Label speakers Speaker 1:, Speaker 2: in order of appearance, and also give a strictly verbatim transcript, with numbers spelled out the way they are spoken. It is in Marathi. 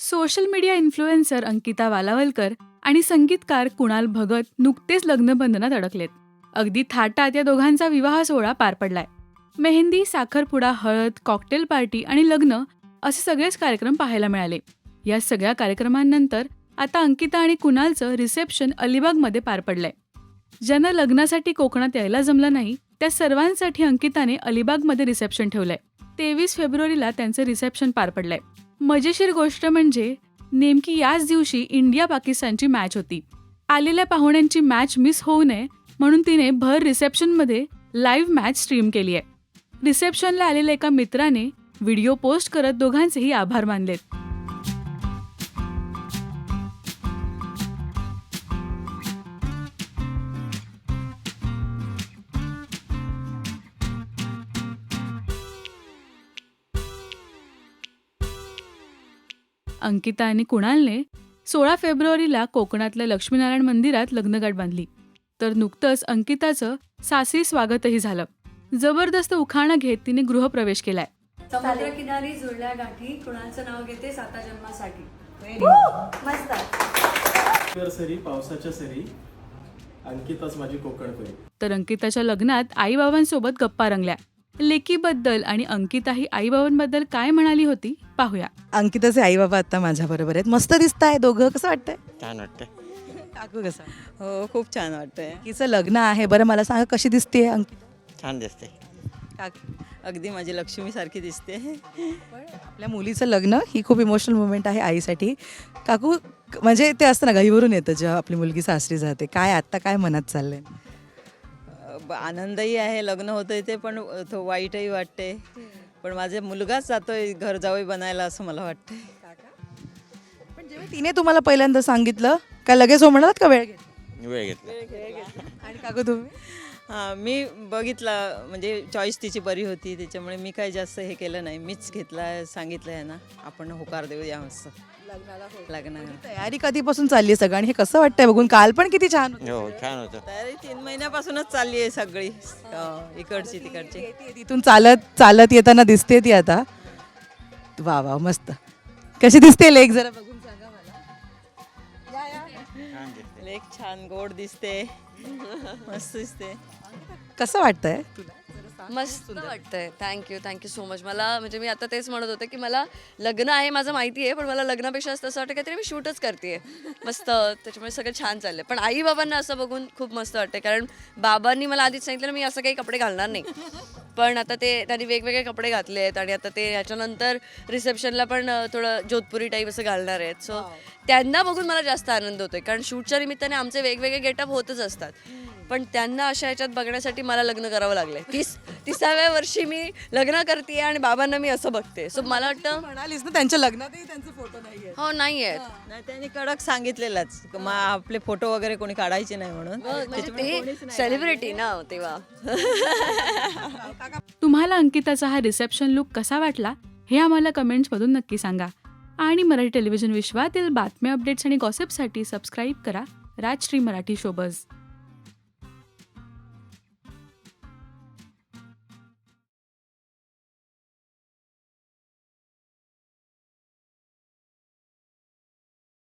Speaker 1: Social media influencer Ankita Walawalkar आणि संगीतकार कुणाल भगत नुकतेच लग्नबंधनात अडकलेत. अगदी थाटात या दोघांचा विवाह सोहळा पार पडलाय. मेहंदी, साखरपुडा, हळद, कॉकटेल पार्टी आणि लग्न असे सगळेच कार्यक्रम पाहायला मिळाले. या सगळ्या कार्यक्रमांनंतर आता अंकिता आणि कुणालचं रिसेप्शन अलिबागमध्ये पार पडलंय. ज्यांना लग्नासाठी कोकणात यायला जमलं नाही त्या सर्वांसाठी अंकिताने अलिबागमध्ये रिसेप्शन ठेवलंय. तेवीस फेब्रुवारीला त्यांचं रिसेप्शन पार पडलंय. मजेशीर गोष्ट म्हणजे नेमकी याच दिवशी इंडिया पाकिस्तानची मॅच होती. आलेल्या पाहुण्यांची मॅच मिस होऊ नये म्हणून तिने भर रिसेप्शनमध्ये लाईव्ह मॅच स्ट्रीम केली आहे. रिसेप्शनला आलेल्या एका मित्राने व्हिडिओ पोस्ट करत दोघांचेही आभार मानलेत. अंकिता आणि कुणालने सोळा फेब्रुवारीला कोकणातल्या लक्ष्मीनारायण मंदिरात लग्नगाठ बांधली. तर नुकतंच अंकिताचं सासरी स्वागतही झालं. जबरदस्त उखाणा घेत तिने गृहप्रवेश केलाय.
Speaker 2: समुद्रकिनारी जुळल्या गाठी, कुणालचं नाव घेते साता जन्मासाठी. मस्त.
Speaker 3: सरी पावसाच्या सरी, अंकिताच माझी कोकणपरी.
Speaker 1: तर अंकिताच्या लग्नात आईबाबांसोबत गप्पा रंगल्या. लेकीबद्दल आणि अंकिता ही आईबाबांबद्दल काय म्हणाली होती पाहूया.
Speaker 4: अंकिताचे आई बाबा आता माझ्या बरोबर आहेत. मस्त दिसताय दोघं. कसं वाटतंय?
Speaker 5: छान वाटतंय.
Speaker 4: काकू कसं?
Speaker 6: हो, खूप छान वाटतंय.
Speaker 4: तिचं लग्न आहे. बरं मला सांगा कशी दिसते अंकिता?
Speaker 5: छान दिसते.
Speaker 4: काकू
Speaker 6: अगदी माझी लक्ष्मी सारखी दिसते.
Speaker 4: आपल्या मुलीचं लग्न ही खूप इमोशनल मुवमेंट आहे आईसाठी. काकू म्हणजे ते असतं ना घाईवरून येतं जेव्हा आपली मुलगी सासरी जाते. काय आत्ता काय मनात चाललंय?
Speaker 6: ब- आनंदही आहे लग्न होतंय ते, पण तो वाईटही वाटते. पण माझा मुलगाच जातोय घर जावई बनायला असं मला वाटतंय.
Speaker 4: पण जेव्हा तिने तुम्हाला पहिल्यांदा सांगितलं काय लगेच हो म्हणालात का वेळ घेतला?
Speaker 5: वेळ घेतला.
Speaker 4: आणि काकू तुम्ही?
Speaker 6: हां, मी बघितला म्हणजे चॉईस तिची बरी होती त्याच्यामुळे मी काही जास्त हे केलं नाही. मीच घेतला, सांगितलं आहे ना आपण होकार देऊया मस्त लग्नाला.
Speaker 4: तयारी कधीपासून चालली आहे सगळं आणि हे कसं वाटतंय बघून? काल पण किती छान होतं.
Speaker 5: हो छान होतं.
Speaker 6: तयारी तीन महिन्यापासूनच चालली आहे सगळी. हो, इकडची तिकडची.
Speaker 4: येते तिथून चालत चालत येताना दिसते ती आता. वा वा मस्त. कशी दिसते लेक जरा बघून सांगा मला.
Speaker 5: छान दिसते.
Speaker 6: लेक छान गोड दिसते. मस्त दिसते.
Speaker 4: कसं वाटतंय तुला?
Speaker 7: मस्त वाटतंय. Thank you thank you so much. मला म्हणजे मी आता तेच म्हणत होते की मला लग्न आहे माझं माहिती आहे, पण मला लग्नापेक्षा असं वाटतं काहीतरी मी शूटच करते मस्त. त्याच्यामुळे सगळं छान चाललंय. पण आई बाबांना असं बघून खूप मस्त वाटतंय, कारण बाबांनी मला आधीच सांगितलं मी असं काही कपडे घालणार नाही. पण आता ते त्यांनी वेगवेगळे कपडे घातले आहेत आणि आता ते ह्याच्यानंतर रिसेप्शनला पण थोडं जोधपुरी टाईप असं घालणार आहेत. सो त्यांना बघून मला जास्त आनंद होतोय, कारण शूटच्या निमित्ताने आमचे वेगवेगळे गेटअप होतच असतात. पण त्यांना अशा ह्याच्यात बघण्यासाठी मला लग्न करावं लागलंय. तीस तिसाव्या वर्षी मी लग्न करते आणि बाबांना मी असं बघते. सो मला वाटतं
Speaker 4: म्हणालीस ना त्यांच्या लग्नातही त्यांचे फोटो नाहीये.
Speaker 7: हो नाही आहेत.
Speaker 6: नाही त्यांनी कडक सांगितलेलंच मग आपले फोटो वगैरे कोणी काढायचे नाही म्हणून.
Speaker 7: म्हणजे ते सेलिब्रिटी ना तेव्हा.
Speaker 1: तुम्हाला अंकिताचा हा रिसेप्शन लुक कसा वाटला हे आम्हाला कमेंट्समधून नक्की सांगा. आणि मराठी टेलिव्हिजन विश्वातील बातम्या, अपडेट्स आणि गॉसिपसाठी सबस्क्राईब करा राजश्री मराठी शोबज.